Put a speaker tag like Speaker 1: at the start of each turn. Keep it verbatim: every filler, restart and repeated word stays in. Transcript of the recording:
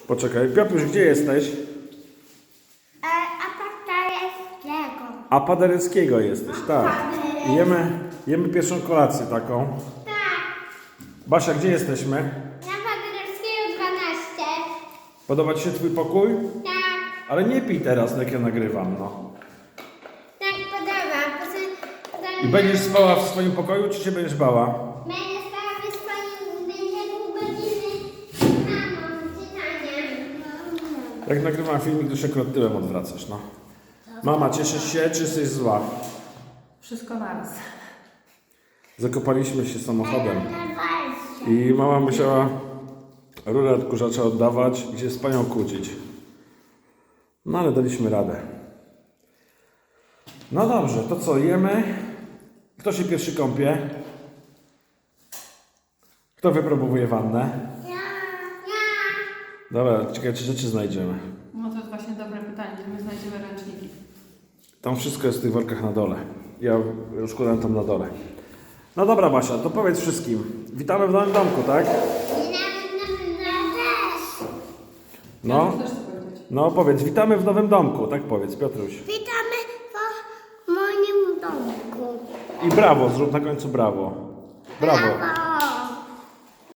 Speaker 1: Poczekaj, Piotruś, gdzie jesteś?
Speaker 2: E, a Paderewskiego.
Speaker 1: A Paderewskiego jesteś, tak. I Jemy, jemy pierwszą kolację taką.
Speaker 2: Tak.
Speaker 1: Basia, gdzie jesteśmy?
Speaker 2: Na Paderewskiego dwanaście.
Speaker 1: Podoba Ci się Twój pokój?
Speaker 2: Tak.
Speaker 1: Ale nie pij teraz, jak ja nagrywam, no.
Speaker 2: Tak podoba. Potem, potem
Speaker 1: I będziesz spała w swoim pokoju, czy się będziesz bała?
Speaker 2: Będę spała w swoim, będzie pół godziny z mamą czytaniem.
Speaker 1: Jak nagrywam filmik, to się akurat tyłem odwracasz, no. Mama, cieszysz się, czy jesteś zła?
Speaker 3: Wszystko naraz.
Speaker 1: Zakopaliśmy się samochodem i mama musiała rurę odkurzacza oddawać i się z panią kłócić. No ale daliśmy radę. No dobrze, to co, jemy? Kto się pierwszy kąpie? Kto wypróbuje wannę?
Speaker 2: Ja, ja.
Speaker 1: Dobra, czekaj, czy rzeczy znajdziemy.
Speaker 3: No to jest właśnie dobre pytanie, gdzie my znajdziemy ręczniki.
Speaker 1: Tam wszystko jest w tych workach na dole. Ja rozkładam tam na dole. No dobra, Basia, to powiedz wszystkim. Witamy w nowym domku, tak?
Speaker 2: I nawet na ja też.
Speaker 1: No,
Speaker 3: Ja też chcę powiedzieć.
Speaker 1: no powiedz, witamy w nowym domku, tak powiedz, Piotruś.
Speaker 2: Witamy w moim domku.
Speaker 1: I brawo, zrób na końcu brawo. Brawo.
Speaker 2: Brawo.